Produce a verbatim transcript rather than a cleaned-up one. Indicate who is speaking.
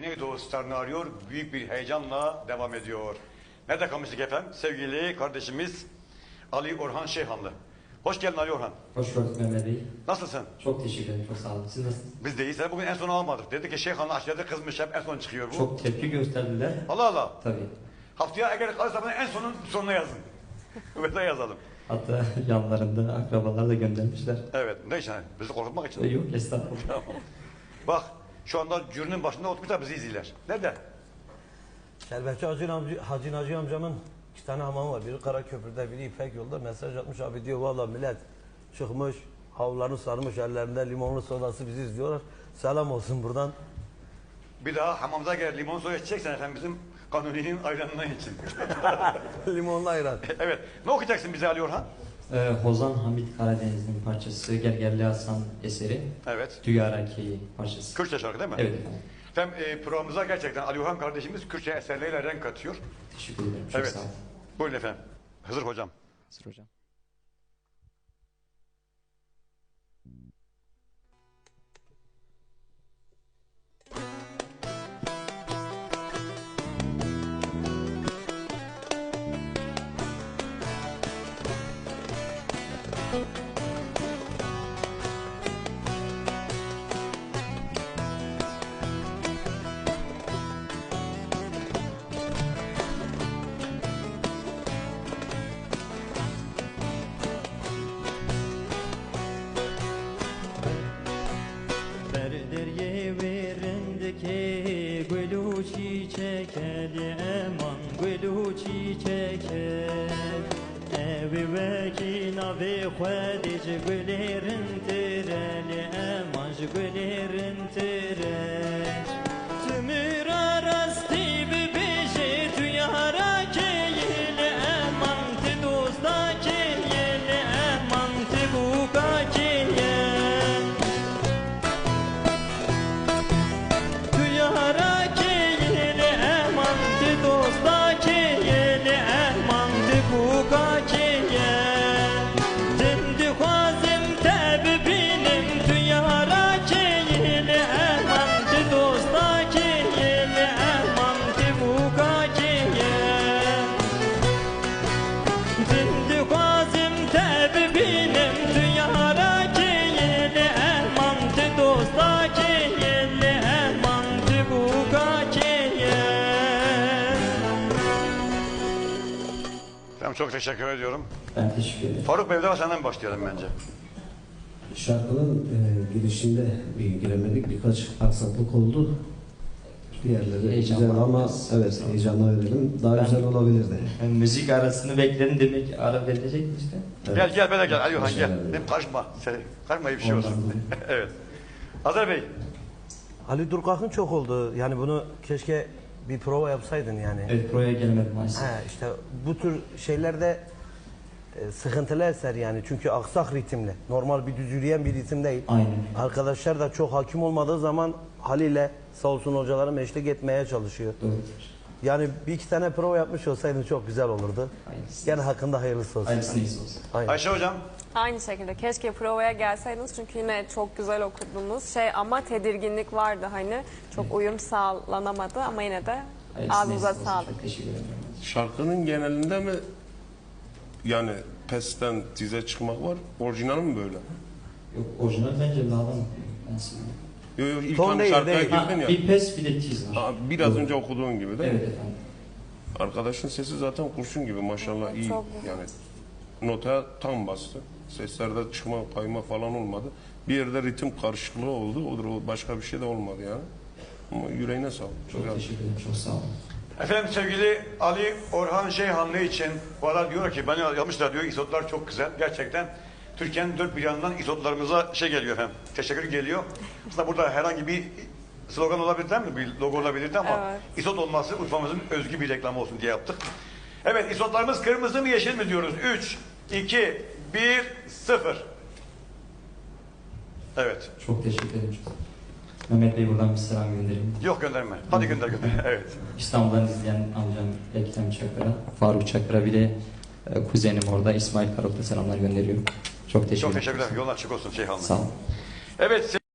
Speaker 1: Güneydoğu starını arıyor. Büyük bir heyecanla devam ediyor. Nerede kalmıştık efendim? Sevgili kardeşimiz Ali Orhan Şeyhanlı. Hoş geldin Ali Orhan.
Speaker 2: Hoş gördük Mehmet Bey.
Speaker 1: Nasılsın?
Speaker 2: Çok teşekkür ederim. Çok sağ olun. Siz nasılsınız?
Speaker 1: Biz de iyiyiz. Bugün en son almadık. Dedi ki Şeyhanlı aşağıda kızmış, hep en son çıkıyor bu.
Speaker 2: Çok tepki gösterdiler.
Speaker 1: Allah Allah.
Speaker 2: Tabii.
Speaker 1: Haftaya eğer kalırsa en sonun sonuna yazın. Ve yazalım.
Speaker 2: Hatta yanlarında akrabalar da göndermişler.
Speaker 1: Evet. Ne için? Bizi korkutmak için.
Speaker 2: E, yok estağfurullah.
Speaker 1: Tamam. Bak şu anda jürinin başında oturmuşlar, bizi izliyorlar. Nerede?
Speaker 3: Şerbetçi Hacı, amca, Hacı Naci amcamın iki tane hamamı var. Biri Karaköprü'de, biri İpek yolda. Mesaj atmış, abi diyor valla millet çıkmış, havlularını sarmış, ellerinde limonlu sodası bizi izliyorlar. Selam olsun buradan.
Speaker 1: Bir daha hamamda gel limon suyu içeceksen efendim bizim Kanuni'nin ayranından için.
Speaker 3: Limonlu ayran.
Speaker 1: Evet. Ne okuyacaksın bize Ali Orhan?
Speaker 2: Ee, Hozan Hamit Karadeniz'in parçası, Gergerli Hasan eseri.
Speaker 1: Evet.
Speaker 2: Düyaraki parçası.
Speaker 1: Kürtçe şarkı değil mi?
Speaker 2: Evet efendim.
Speaker 1: Efendim e, programımıza gerçekten Ali Orhan kardeşimiz Kürtçe eserleriyle renk katıyor.
Speaker 2: Teşekkür ederim. Çok
Speaker 1: Evet.
Speaker 2: sağ olun.
Speaker 1: Buyurun efendim. Hızır hocam.
Speaker 2: Sır hocam.
Speaker 4: Gülü çiçekeli eman gülü çiçekeli evi vekin abi khadic güllerin tireli eman güllerin tireli tümür arastı bir beşi tüyara keyli eman ti dosta keyli eman ti buka keyli tüyara
Speaker 1: Çok teşekkür ediyorum.
Speaker 2: Ben teşekkür ederim.
Speaker 1: Faruk Bey, de senden başlayalım bence.
Speaker 5: Şarkının e, girişinde bir giremedik, birkaç aksaklık oldu. Diğerleri
Speaker 2: Heyecan
Speaker 5: güzel
Speaker 2: var
Speaker 5: ama
Speaker 2: biraz.
Speaker 5: evet heyecanla verelim. Daha
Speaker 2: Ben-
Speaker 5: güzel olabilirdi.
Speaker 2: Ben müzik arasını bekledim demek ara verilecek işte.
Speaker 5: Evet.
Speaker 1: Gel gel böyle gel Ali Orhan gel.
Speaker 5: Teşekkür ederim.
Speaker 1: Benim karışma. Sen, karışma bir şey
Speaker 2: Ondan
Speaker 1: olsun.
Speaker 2: dolayı.
Speaker 1: Evet. Hazır Bey.
Speaker 3: Ali Durkak'ın çok oldu. Yani bunu keşke bir prova yapsaydın yani.
Speaker 2: Evet buraya gelmedim maalesef.
Speaker 3: He, işte bu tür şeylerde e, sıkıntılı eser yani. Çünkü aksak ritimli. Normal bir düz yürüyen bir ritim değil.
Speaker 2: Aynen.
Speaker 3: Arkadaşlar da çok hakim olmadığı zaman haliyle sağ olsun hocalarım eşlik etmeye çalışıyor.
Speaker 2: Doğrudur.
Speaker 3: Yani bir iki tane prova yapmış olsaydın çok güzel olurdu.
Speaker 2: Hayırlısı.
Speaker 3: Yani hakkında hayırlısı olsun.
Speaker 2: Hayırlısı neyse olsun.
Speaker 3: Aynen.
Speaker 1: Ayşe hocam.
Speaker 6: Aynı şekilde keşke provaya gelseydiniz çünkü yine çok güzel okudunuz şey ama tedirginlik vardı hani çok uyum sağlanamadı ama yine de
Speaker 2: Hayırlısı
Speaker 6: ağzınıza
Speaker 2: neyse olsun.
Speaker 6: sağlık.
Speaker 2: Çok teşekkür ederim.
Speaker 7: Şarkının genelinde mi yani pesten dize çıkmak var? Orijinal mi böyle?
Speaker 2: Yok orijinal bence lağdan okuyor. Ben söyleyeyim.
Speaker 7: Yok yok ilk
Speaker 3: Ton
Speaker 7: hani
Speaker 3: değil,
Speaker 7: şarkıya
Speaker 3: değil.
Speaker 7: girdin
Speaker 2: Ha,
Speaker 7: ya.
Speaker 2: bir pes bir de tiz var.
Speaker 7: Aa, biraz önce okuduğun gibi değil
Speaker 2: Evet
Speaker 7: mi?
Speaker 2: efendim.
Speaker 7: Arkadaşın sesi zaten kurşun gibi maşallah iyi.
Speaker 6: Çok güzel.
Speaker 7: Yani notaya tam bastı. Seslerde çıkma kayma falan olmadı. Bir yerde ritim karışıklığı oldu. Odur o başka bir şey de olmadı yani. Ama yüreğine sağlık.
Speaker 2: Çok
Speaker 7: Güzel.
Speaker 2: teşekkür ederim. Çok sağ olun.
Speaker 1: Efendim sevgili Ali Orhan Şeyhanlı için bu arada diyor ki bana yazmışlar diyor isotlar çok güzel. Gerçekten Türkiye'nin dört bir yanından isotlarımıza şey geliyor efendim. Teşekkür geliyor. Aslında burada herhangi bir slogan olabilir değil mi? Bir logo olabilirdi ama
Speaker 6: Evet.
Speaker 1: isot olması Urfa'mızın özgü bir reklamı olsun diye yaptık. Evet isotlarımız kırmızı mı yeşil mi diyoruz? üç, iki, bir, sıfır. Evet.
Speaker 2: Çok teşekkür ederim. Mehmet Bey buradan bir selam göndereyim.
Speaker 1: Yok gönderme. Hadi gönder gönder. Evet.
Speaker 2: İstanbul'dan izleyen amcam Ekrem Çakır'a, Faruk Çakır'a bir de e, kuzenim orada İsmail Karok'ta selamlar gönderiyorum. Çok teşekkür ederim.
Speaker 1: Çok teşekkürler. Yolun açık olsun Şeyhanlı.
Speaker 2: Sağ olun.
Speaker 1: Evet.